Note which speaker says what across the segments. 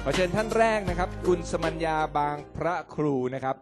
Speaker 1: ขอเชิญท่านแรกนะครับคุณสมัญญาบางพระครูนะครับ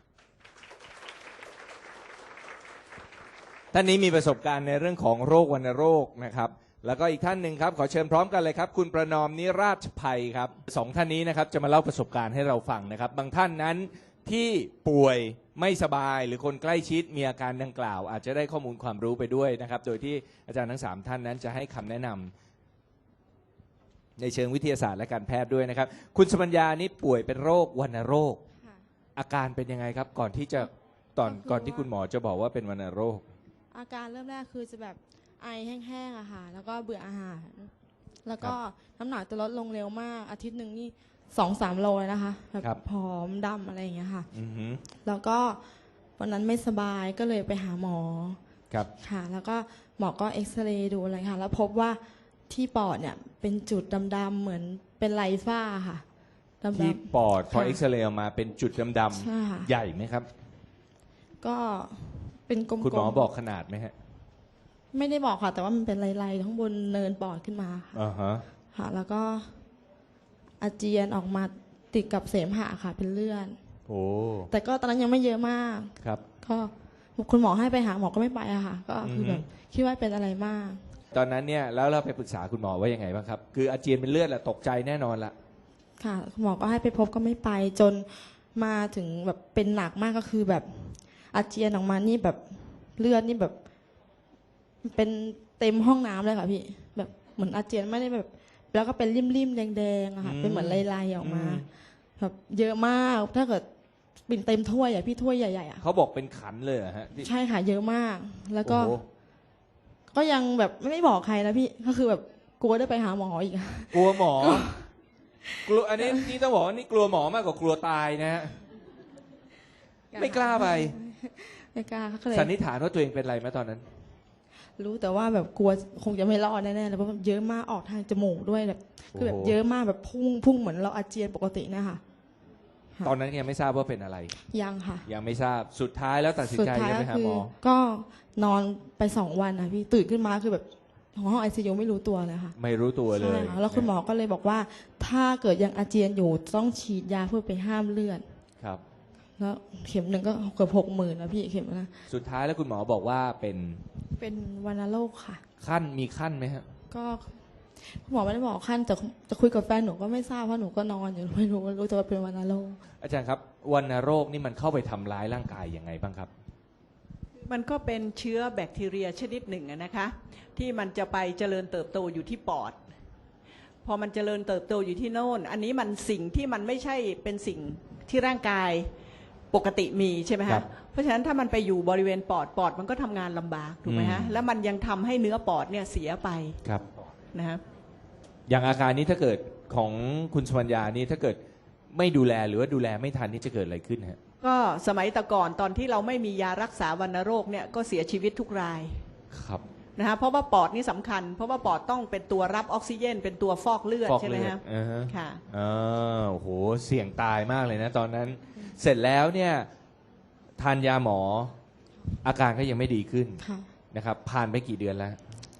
Speaker 1: ท่านนี้มีประสบการณ์ในเรื่องของโรควัณโรคนะครับแล้วก็อีกท่านหนึ่งครับขอเชิญพร้อมกันเลยครับคุณประนอมนิราชภัยครับสองท่านนี้นะครับจะมาเล่าประสบการณ์ให้เราฟังนะครับบางท่านนั้นที่ป่วยไม่สบายหรือคนใกล้ชิดมีอาการดังกล่าวอาจจะได้ข้อมูลความรู้ไปด้วยนะครับโดยที่อาจารย์ทั้ง3ท่านนั้นจะให้คำแนะนำในเชิงวิทยาศาสตร์และการแพทย์ด้วยนะครับคุณสมัญญานี่ป่วยเป็นโรควัณโรคอาการเป็นยังไงครับก่อนที่คุณหมอจะบอกว่าเป็นวัณโรค
Speaker 2: อาการเริ่มแรกคือจะแบบไอแห้งๆอะค่ะแล้วก็เบื่ออาหารแล้วก็น้ำหนักจะลดลงเร็วมากอาทิตย์หนึ่งนี่2-3 โลเลยนะคะแบบผอมดำอะไรอย่างเงี้ยค่ะแล้วก็วันนั้นไม่สบายก็เลยไปหาหมอค่ะแล้วก็หมอก็เอ็กซเรย์ดูอะไรค่ะแล้วพบว่าที่ปอดเนี่ยเป็นจุดดำๆเหมือนเป็นไรฝ้าค่ะ
Speaker 1: ที่ปอดพอเอ็กซเรย์ออกมาเป็นจุดดำๆใหญ่ไหมครับ
Speaker 2: ก็เป็นกลมๆ
Speaker 1: คุณหมอบอกขนาดไหมฮะ
Speaker 2: ไม่ได้บอกค่ะแต่ว่ามันเป็นไรๆทั้งบนเนินปอดขึ้นมาค่ะค่ะแล้วก็อาเจียนออกมาติดกับเสมหะค่ะเป็นเลือด
Speaker 1: โอ้
Speaker 2: แต่ก็ตอนนั้นยังไม่เยอะมาก
Speaker 1: ครับ
Speaker 2: ก็คุณหมอให้ไปหาหมอก็ไม่ไปอะค่ะก็คือแบบคิดว่าเป็นอะไรมาก
Speaker 1: ตอนนั้นเนี่ยแล้วเราไปปรึกษาคุณหมอว่ายังไงบ้างครับคืออาเจียนเป็นเลือดแหละตกใจแน่นอนละ
Speaker 2: ค่ะคุณหมอก็ให้ไปพบก็ไม่ไปจนมาถึงแบบเป็นหนักมากก็คือแบบอาเจียนออกมานี่แบบเลือดนี่แบบเป็นเต็มห้องน้ำเลยค่ะพี่แบบเหมือนอาเจียนไม่ได้แบบแล้วก็เป็นริ่มๆแดงๆอะค่ะเป็นเหมือนลายๆออกมาแบบเยอะมากถ้าเกิดเป็นเต็มถ้วยอะพี่ถ้วยใหญ่ๆอะ
Speaker 1: เขาบอกเป็นขันเลยฮะ
Speaker 2: ใช่ค่ะเยอะมากแล้วก็ยังแบบไม่บอกใครนะพี่ก็คือแบบกลัวได้ไปหาหมออีก
Speaker 1: กลัวหมอกลัวอันนี้นี่ต้องบอกว่านี่กลัวหมอมากกว่ากลัวตายนะฮะไม่กล้าไป
Speaker 2: ไม่กล้า
Speaker 1: สันนิษฐานว่าตัวเองเป็นอะไรไหมตอนนั้น
Speaker 2: รู้แต่ว่าแบบกลัวคงจะไม่รอดแน่ๆเลยเพราะเยอะมากออกทางจมูกด้วยแบบคือแบบเยอะมากแบบพุ่งเหมือนเราอาเจียนปกตินะคะ
Speaker 1: ตอนนั้นยังไม่ทราบว่าเป็นอะไร
Speaker 2: ยังค่ะ
Speaker 1: ยังไม่ทราบสุดท้ายแล้วตัดสินใจจะไปหาหมอ
Speaker 2: ก็นอนไป2 วันนะพี่ตื่นขึ้นมาคือแบบห้องICUไม่รู้ตัวเลยค่ะ
Speaker 1: ไม่รู้ตัวเลย
Speaker 2: ใช่ค่ะแล้วคุณหมอก็เลยบอกว่าถ้าเกิดยังอาเจียนอยู่ต้องฉีดยาเพื่อไปห้ามเลือด
Speaker 1: ครับ
Speaker 2: แล้วเข็มหนึ่งก็เกือบ60,000นะพี่เข็มนะ
Speaker 1: สุดท้ายแล้วคุณหมอบอกว่าเป็น
Speaker 2: วัณโรคค่ะ
Speaker 1: มีขั้นไหมฮะ
Speaker 2: ก็คุณหมอไม่ได้บอกขั้นแต่จะคุยกับแฟนหนูก็ไม่ทราบเพราะหนูก็นอนอยู่ไม่รู้แต่ว่าเป็นวัณโรค
Speaker 1: อาจารย์ครับวัณโรคนี่มันเข้าไปทำร้ายร่างกายยังไงบ้างครับ
Speaker 3: มันก็เป็นเชื้อแบคทีเรียชนิดหนึ่งนะคะที่มันจะไปเจริญเติบโตอยู่ที่ปอดพอมันเจริญเติบโตอยู่ที่โน่นอันนี้มันสิ่งที่มันไม่ใช่เป็นสิ่งที่ร่างกายปกติมีใช่ไหมฮะเพราะฉะนั้นถ้ามันไปอยู่บริเวณปอดมันก็ทำงานลำบากถูกไหมฮะแล้วมันยังทำให้เนื้อปอดเนี่ยเสียไป
Speaker 1: ครับ
Speaker 3: นะฮะ
Speaker 1: อย่างอาการนี้ถ้าเกิดของคุณสมัญญานี่ถ้าเกิดไม่ดูแลหรือว่าดูแลไม่ทันนี่จะเกิดอะไรขึ้นฮะ
Speaker 3: ก็สมัยแต่ก่อนตอนที่เราไม่มียารักษาวัณโรคเนี่ยก็เสียชีวิตทุกราย
Speaker 1: ครับ
Speaker 3: นะฮะเพราะว่าปอดนี่สำคัญเพราะว่าปอดต้องเป็นตัวรับออกซิเจนเป็นตัวฟอกเลือดใช่ไหมฮะค่ะ
Speaker 1: โอ้โหเสี่ยงตายมากเลยนะตอนนั้นเสร็จแล้วเนี่ยทานยาหมออาการก็ยังไม่ดีขึ้นนะครับผ่านไปกี่เดือนแล้ว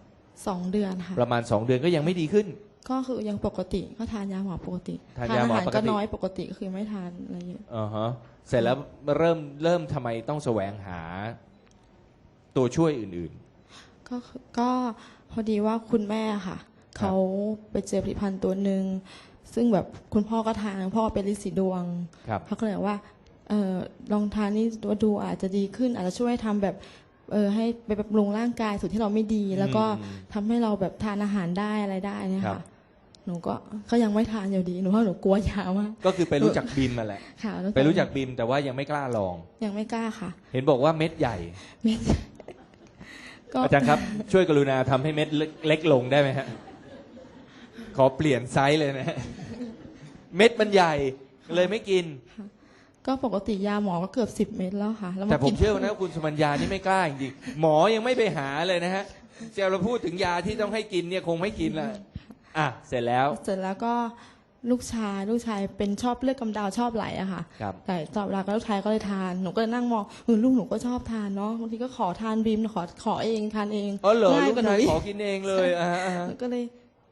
Speaker 2: 2 เดือนค่ะ
Speaker 1: ประมาณ2 เดือนก็ยังไม่ดีขึ้น
Speaker 2: ก็คือยังปกติก็ทานยาหมอปกติ
Speaker 1: ทานยาหมอปกติ
Speaker 2: ก็น้อยปกติก็คือไม่ทานอะไรเยอะ
Speaker 1: เสร็จแล้วเริ่มทำไมต้องแสวงหาตัวช่วยอื่น
Speaker 2: ๆก็พอดีว่าคุณแม่ค่ะเขาไปเจอผลิตภัณฑ์ตัวหนึ่งซึ่งแบบคุณพ่อก็ทานพ่อเป็นฤทธิ์สีดวงเขาก็เลยว่าลองทานนี่ดูอาจจะดีขึ้นอาจจะช่วยทำแบบให้ไปบำรุงร่างกายส่วนที่เราไม่ดีแล้วก็ทำให้เราแบบทานอาหารได้อะไรได้เนี่ยค่ะหนูก็ยังไม่ทานอยู่ดีหนูเพราะหนูกลัวยามาก
Speaker 1: ก็คือไปรู้จักบิมมาแหละไปรู้จักบิมแต่ว่ายังไม่กล้าลอง
Speaker 2: ยังไม่กล้าค่ะ
Speaker 1: เห็นบอกว่าเม็ดใหญ่
Speaker 2: เม็ด
Speaker 1: อาจารย์ครับช่วยกรุณาทำให้เม็ดเล็กลงได้ไหมฮะขอเปลี่ยนไซส์เลยนะเม็ดมันใหญ่เลยไม่กิน
Speaker 2: ก็ปกติยาหมอก็เกือบ10 เม็ดแล้วค่ะ
Speaker 1: แต่ผมเชื่อนะคุณสมัญญานี่ไม่กล้าจริงๆหมอยังไม่ไปหาเลยนะฮะเราพูดถึงยาที่ต้องให้กินเนี่ยคงไม่กินละเสร็จแล้ว
Speaker 2: ก็ลูกชายเป็นชอบเลือดกำเดาชอบไหลอะค่ะแต่ตอบรับกับลูกชายก็เลยทานหนูก็เลยนั่งมองลูกหนูก็ชอบทานเนาะบางทีก็ขอทานบีมขอเองทานเอง
Speaker 1: เหรอลูกชายขอกินเองเลย
Speaker 2: ก็เลย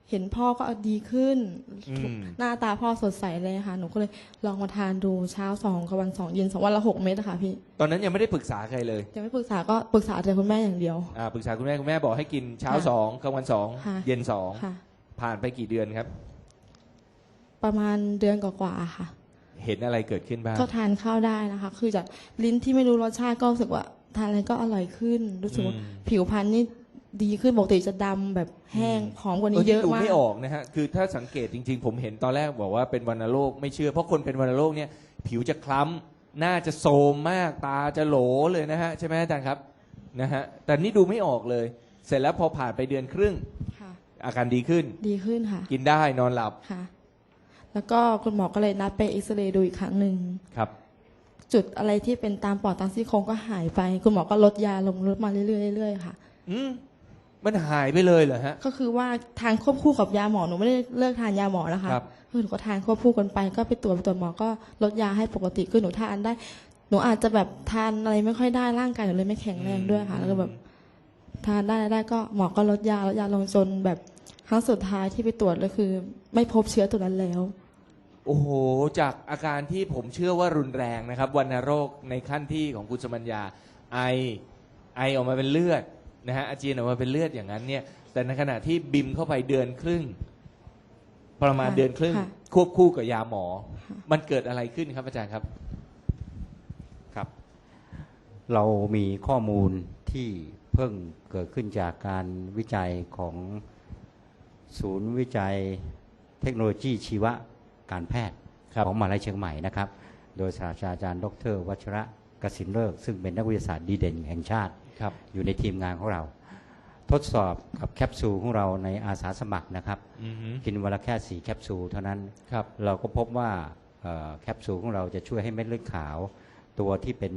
Speaker 2: เห็นพ่อก็ดีขึ้น
Speaker 1: อืม
Speaker 2: หน้าตาพ่อสดใสเลยค่ะหนูก็เลยลองมาทานดูเช้า2กับวัน2เย็น2วันละ6 เม็ดอะค่ะพี่
Speaker 1: ตอนนั้นยังไม่ได้ปรึกษาใครเลย
Speaker 2: ยังไม่ปรึกษาก็ปรึกษาแต่คุณแม่อย่างเดียว
Speaker 1: ปรึกษาคุณแม่คุณแม่บอกให้กินเช้า
Speaker 2: ค่ะ
Speaker 1: สองกลางวันสอง
Speaker 2: ค่ะ
Speaker 1: เย็นสอง
Speaker 2: ค่ะ
Speaker 1: ผ่านไปกี่เดือนครับ
Speaker 2: ประมาณเดือนกว่าๆค่ะ
Speaker 1: เห็นอะไรเกิดขึ้นบ้าง
Speaker 2: ก็ทานข้าวได้นะคะ คือจากลิ้นที่ไม่รู้รสชาติก็รู้สึกว่าทานอะไรก็อร่อยขึ้น รู้สึกว่าผิวพรรณนี่ดีขึ้นปกติจะดำแบบแห้งผอมกว่านี้เยอะ
Speaker 1: ดู
Speaker 2: มาก
Speaker 1: ไม่ออกนะฮะคือถ้าสังเกตจริง ๆ ผมเห็นตอนแรกบอกว่าเป็นวัณโรคไม่เชื่อเพราะคนเป็นวัณโรคเนี่ยผิวจะคล้ำหน้าจะโทรมมากตาจะโหลเลยนะฮะใช่ไหมอาจารย์ครับนะฮะแต่นี่ดูไม่ออกเลย เสร็จแล้วพอผ่านไปเดือนครึ่ง
Speaker 2: ค่ะ
Speaker 1: อาการดีขึ้น
Speaker 2: ดีขึ้นค่ะ
Speaker 1: กินได้นอนหลับ
Speaker 2: ค่ะ แล้วก็คุณหมอก็เลยนัดไปเอ็กซเรย์ดูอีกครั้งหนึ่ง
Speaker 1: ครับ
Speaker 2: จุดอะไรที่เป็นตามปอดตามซี่โครงก็หายไป คุณหมอก็ลดยาลงลดมาเรื่อยๆเรื่อยๆค่ะ
Speaker 1: อืมมันหายไปเลยเหรอฮะ
Speaker 2: ก็คือว่าทานควบคู่กับยาหมอหนูไม่ได้เลิกทานยาหมอนะคะ
Speaker 1: ครับ
Speaker 2: คือหนูก็ทานควบคู่กันไปก็ไปตรวจหมอก็ลดยาให้ปกติคือหนูทานได้ หนูอาจจะแบบทานอะไรไม่ค่อยได้ร่างกายหนูเลยไม่แข็งแรงด้วยค่ะ แล้วก็แบบทานได้ก็หมอก็ลดยลงจนแบบครั้งสุดท้ายที่ไปตรวจก็คือ ไม่พบเชื้อตัวนั้นแล้ว
Speaker 1: โอ้โหจากอาการที่ผมเชื่อว่ารุนแรงนะครับวัณโรคในขั้นที่ของคุณสมัญญาไอออกมาเป็นเลือดนะฮะอาเจียนออกมาเป็นเลือดอย่างนั้นเนี่ยแต่ในขณะที่บิมเข้าไปเดือนครึ่ง ประมาณ
Speaker 2: ค่ะ
Speaker 1: เดือนครึ่ง
Speaker 2: ค่ะ
Speaker 1: ควบคู่กับยาหมอ มันเกิดอะไรขึ้นครับอาจารย์ครับ
Speaker 4: ครับเรามีข้อมูลที่เพิ่งเกิดขึ้นจากการวิจัยของศูนย์วิจัยเทคโนโลยีชีวการแพทย์
Speaker 1: ครับ
Speaker 4: ของมหาวิทยาลัยเชียงใหม่นะครับโดยศาสตราจารย์ดรวัชระกสินเลิกษ์ซึ่งเป็นนักวิทยาศาสตร์ดีเด่นแห่งชาติ
Speaker 1: ครับ
Speaker 4: อยู่ในทีมงานของเรา ทดสอบกับแคปซูลของเราในอาสาสมัครนะครับ
Speaker 1: อือฮึ
Speaker 4: กินวันละแค่4แคปซูลเท่านั้น
Speaker 1: ครับ
Speaker 4: เราก็พบว่าแคปซูลของเราจะช่วยให้เม็ดเลือดขาว ตัวที่เป็น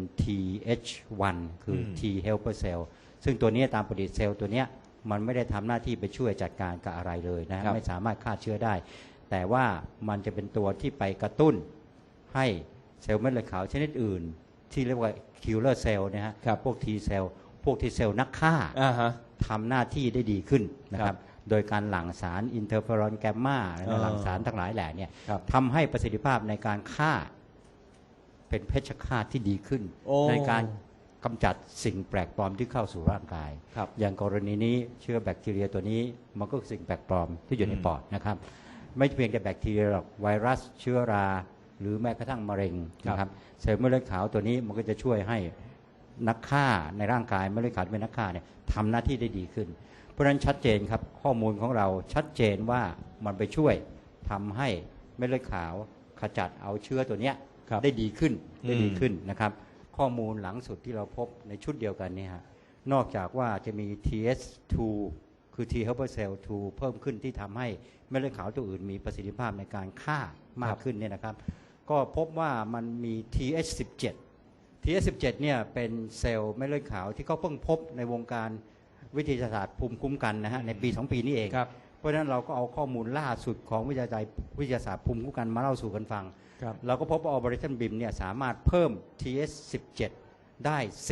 Speaker 4: TH1 คือ T helper cell ซึ่งตัวนี้ตามปฏิเซลล์ตัวเนี้ยมันไม่ได้ทำหน้าที่ไปช่วยจัดการกับอะไรเลยนะ
Speaker 1: ครับ
Speaker 4: ไม่สามารถฆ่าเชื้อได้ แต่ว่ามันจะเป็นตัวที่ไปกระตุ้นให้เซลล์เม็ดเลือดขาวชนิดอื่น ที่เรียกว่า killer cell นะฮะ
Speaker 1: ครับ
Speaker 4: พวก T cell พวก T cell นักฆ่า
Speaker 1: อ่าฮะ
Speaker 4: ทำหน้าที่ได้ดีขึ้นนะค
Speaker 1: ครั
Speaker 4: รับ บ โดยการหลั่งสารอินเทอร์เฟอรอนแกมมาและหลั่งสารทั้งหลายแหล่เนี่ย
Speaker 1: ครับ
Speaker 4: ทำให้ประสิทธิภาพในการฆ่าเป็นเพชฌฆาตที่ดีขึ้น
Speaker 1: โอ้
Speaker 4: ในการกำจัดสิ่งแปลกปลอมที่เข้าสู่ร่างกาย
Speaker 1: ครับ
Speaker 4: อย่างกรณีนี้เชื้อแบคทีเรียตัวนี้มันก็คือสิ่งแปลกปลอมที่อยู่ใน
Speaker 1: อืม
Speaker 4: ปอดนะครับ ไม่เพียงแต่แบคทีเรียหรอกไวรัสเชื้อรา หรือแม้กระทั่งมะเร็งนะครับเซลล์เม็ดเลือดขาวตัวนี้มันก็จะช่วยให้นักฆ่าในร่างกายเม็ดเลือดขาวที่เป็นนักฆ่าเนี่ยทำหน้าที่ได้ดีขึ้น เพราะฉะนั้นชัดเจนครับข้อมูลของเราชัดเจนว่ามันไปช่วยทำให้เม็ดเลือดขาวขจัดเอาเชื้อตัวเนี้ย
Speaker 1: ครับ
Speaker 4: ได้ดีขึ้นได้ดี
Speaker 1: อืม
Speaker 4: ขึ้นนะครับ ข้อมูลหลังสุดที่เราพบในชุดเดียวกันเนี่ยฮะนอกจากว่าจะมี TS2 คือ T helper cell 2 เพิ่มขึ้นที่ทำให้เม็ดเลือดขาวตัวอื่นมีประสิทธิภาพในการฆ่ามากขึ้นเนี่ยนะครับ ก็พบว่ามันมี TH17 TH17 เนี่ยเป็นเซลล์เม็ดเลือดขาวที่เขาเพิ่งพบในวงการวิทยาศาสตร์ภูมิคุ้มกันนะฮะในปี 2 ปีนี้เอง
Speaker 1: ครับ
Speaker 4: เพราะฉะนั้นเราก็เอาข้อมูลล่าสุดของวิทยาศาสตร์ภูมิคุ้มกันมาเล่าสู่กันฟัง
Speaker 1: ครับ
Speaker 4: เราก็พบว่า Operation BIM เนี่ยสามารถเพิ่ม TH17 ได้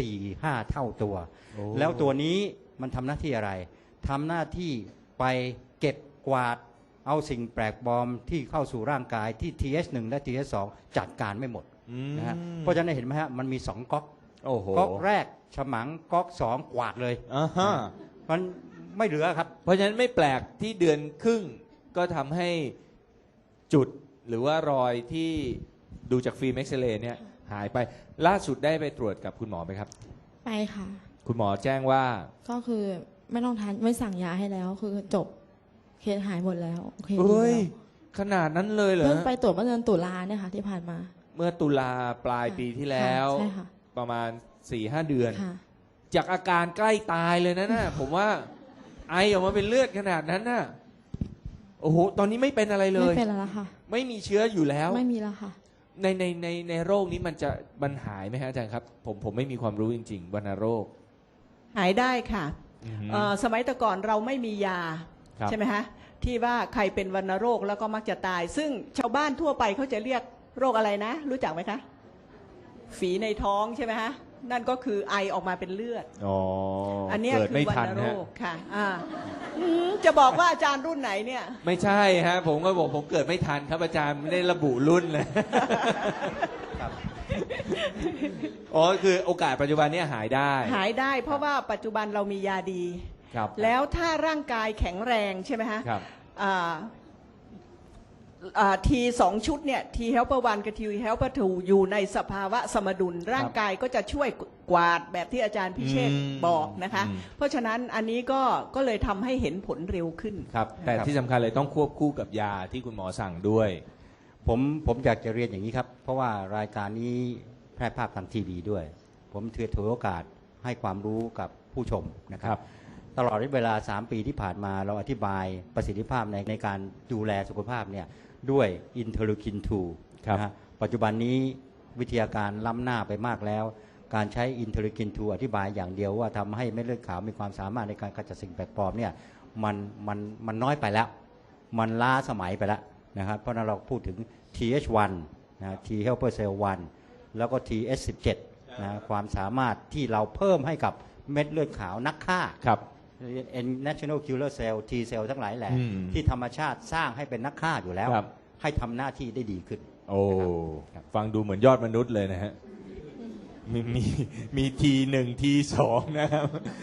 Speaker 4: 4-5 เท่าตัว
Speaker 1: โอ้
Speaker 4: แล้วตัวนี้มันทำหน้าที่อะไรทำหน้าที่ไปเก็บกวาดเอาสิ่งแปลกปลอมที่เข้าสู่ร่างกายที่ TH1 และ TH2 จัดการไม่หมด
Speaker 1: อืม
Speaker 4: นะฮะเพราะฉะนั้นเห็นไหมฮะมันมี 2ก๊อก
Speaker 1: โอ้โห
Speaker 4: ก๊อกแรกฉมังก๊อก2กวาดเลย
Speaker 1: อ่าฮะ
Speaker 4: มันไม่เหลือครับ
Speaker 1: เพราะฉะนั้นไม่แปลกที่เดือนครึ่งก็ทำให้จุดหรือว่ารอยที่ดูจากฟิล์มเอ็กซเรย์เนี่ยหายไปล่าสุดได้ไปตรวจกับคุณหมอไหมครับ
Speaker 2: ไปค่ะ
Speaker 1: คุณหมอแจ้งว่า
Speaker 2: ก็คือไม่ต้องทานไม่สั่งยาให้แล้วคือจบเคสหายหมดแล้วโอเคดี
Speaker 1: เฮ้ย
Speaker 2: แล้ว
Speaker 1: ขนาดนั้นเลยเหรอ
Speaker 2: เพิ่งไปตรวจเมื่อเดือนตุลาเนี่ยค่ะที่ผ่านมา
Speaker 1: เมื่อตุลาปลายปีที่แล้ว
Speaker 2: ใช่ค่ะ
Speaker 1: ประมาณ 4-5 เดือน
Speaker 2: ค่ะ
Speaker 1: จากอาการใกล้ตายเลยนะน่ะ ผมว่าไอออกมาเป็นเลือดขนาดนั้นน่ะโอ้โหตอนนี้ไม่เป็นอะไรเลย
Speaker 2: ไม่เป็นแล้วล่ะค่ะ
Speaker 1: ไม่มีเชื้ออยู่แล้ว
Speaker 2: ไม่มีแล้วค่ะ
Speaker 1: ในโรคนี้มันหายไหมฮะอาจารย์ครับ ผมไม่มีความรู้จริงๆวัณโรค
Speaker 3: หายได้ค่ะ
Speaker 1: อือฮึ
Speaker 3: สมัยแต่ก่อนเราไม่มียา
Speaker 1: ครับ
Speaker 3: ใช่ไหมฮะที่ว่าใครเป็นวัณโรคแล้วก็มักจะตาย ซึ่งชาวบ้านทั่วไปเขาจะเรียกโรคอะไรนะ รู้จักไหมคะ ฝีในท้องใช่ไหมฮะนั่นก็คือไอออกมาเป็นเลือด
Speaker 1: อ๋อ
Speaker 3: อันเนี้ย
Speaker 1: เกิด
Speaker 3: คือ
Speaker 1: ไม่
Speaker 3: วั
Speaker 1: ทัน
Speaker 3: ณโร
Speaker 1: ฮะ
Speaker 3: คค่ะจะบอกว่าอาจารย์รุ่นไหนเนี่ย
Speaker 1: ไม่ใช่ฮะผมก็บอกผมเกิดไม่ทันครับอาจารย์ไม่ได้ระบุรุ่นเลย
Speaker 4: ครับ
Speaker 1: อ๋อคือโอกาสปัจจุบันเนี้หายได้
Speaker 3: หายได้เพราะว่าปัจจุบันเรามียาดี
Speaker 1: ครับ
Speaker 3: แล้วถ้าร่างกายแข็งแรงใช่ไหมฮะ
Speaker 1: ครับ
Speaker 3: ทีสองชุดเนี่ย T helper 1 กับ T helper 2 อยู่ในสภาวะสมดุล ร่างกายก็จะช่วยกวาดแบบที่อาจารย์พิเชษฐ์บอกนะคะ เพราะฉะนั้นอันนี้ก็เลยทำให้เห็นผลเร็วขึ้น
Speaker 1: ครับแต่ที่สำคัญเลยต้องควบคู่กับยาที่คุณหมอสั่งด้วย
Speaker 4: ผมอยากจะเรียนอย่างนี้ครับ เพราะว่ารายการนี้แพร่ภาพทางทีวีด้วย ผมถือโอกาสให้ความรู้กับผู้ชมนะค
Speaker 1: ครั
Speaker 4: รับ
Speaker 1: บ
Speaker 4: ตลอดเวลา 3 ปีที่ผ่านมาเราอธิบายประสิทธิภาพในการดูแลสุขภาพเนี่ยด้วยอินเทอร์ลูคิน 2
Speaker 1: ครับ
Speaker 4: นะฮะปัจจุบันนี้วิทยาการล้ำหน้าไปมากแล้ว การใช้อินเทอร์ลูคิน 2 อธิบายอย่างเดียวว่าทำให้เม็ดเลือดขาวมีความสามารถในการขจัดสิ่งแปลกปลอมเนี่ยมันน้อยไปแล้ว มันล้าสมัยไปแล้วนะครับเพราะฉะนั้นเราพูดถึง TH1 นะ T helper cell 1 แล้วก็ TH17 นะความสามารถที่เราเพิ่มให้กับเม็ดเลือดขาวนักฆ่า
Speaker 1: ครับ
Speaker 4: National Killer Cell T cell ทั้งหลายแหละ
Speaker 1: อืม
Speaker 4: ที่ธรรมชาติสร้างให้เป็นนักฆ่าอยู่แล้ว
Speaker 1: ครับ
Speaker 4: ให้ทำหน้าที่ได้ดีขึ้น
Speaker 1: โอ้
Speaker 4: ครับ
Speaker 1: ฟังดูเหมือนยอดมนุษย์เลยนะฮะมีทีหนึ่งทีสองนะครับ